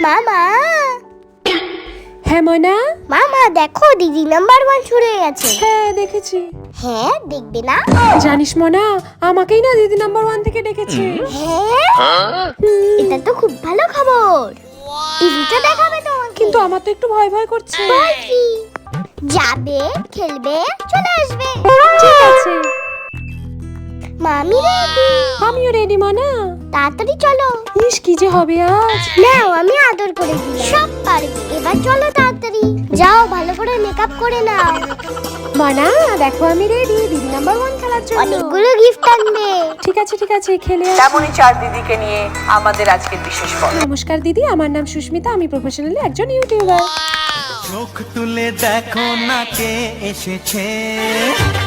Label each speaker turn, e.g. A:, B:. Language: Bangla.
A: মামা
B: হ্যাঁ ময়না,
A: মামা দেখো দিদি নাম্বার 1 ছুড়ে গেছে।
B: হ্যাঁ দেখেছি।
A: হ্যাঁ দেখবে না?
B: জানিস ময়না, আমাকেই না দিদি নাম্বার 1 থেকে ডেকেছে।
A: হ্যাঁ এটা তো খুব ভালো খবর। টিভিটা দেখাবে তোমাকে।
B: কিন্তু আমার তো একটু ভয় ভয় করছে।
A: ভয় কি? যাবে, খেলবে, চলে আসবে।
B: ঠিক আছে,
A: মামি রেডি।
B: আমিও রেডি ময়না।
A: তাড়াতাড়ি চলো।
B: ইস কি যে হবে আজ।
A: নাও আমি আদর করে দিলাম। সব পারবে। এবার চলো তাড়াতাড়ি। যাও ভালো করে মেকআপ করে নাও।
B: ময়না দেখো আমি রেডি দিদি নাম্বার 1 খেলার জন্য।
A: অনেকগুলো গিফট আনবে।
B: ঠিক আছে খেলে আসি।
C: তেমনই 4 দিদিকে নিয়ে আমাদের আজকের বিশেষ পর্ব।
B: নমস্কার দিদি, আমার নাম সুস্মিতা, আমি প্রফেশনালি একজন ইউটিউবার।
D: চোখ তুলে দেখো না কে এসেছে।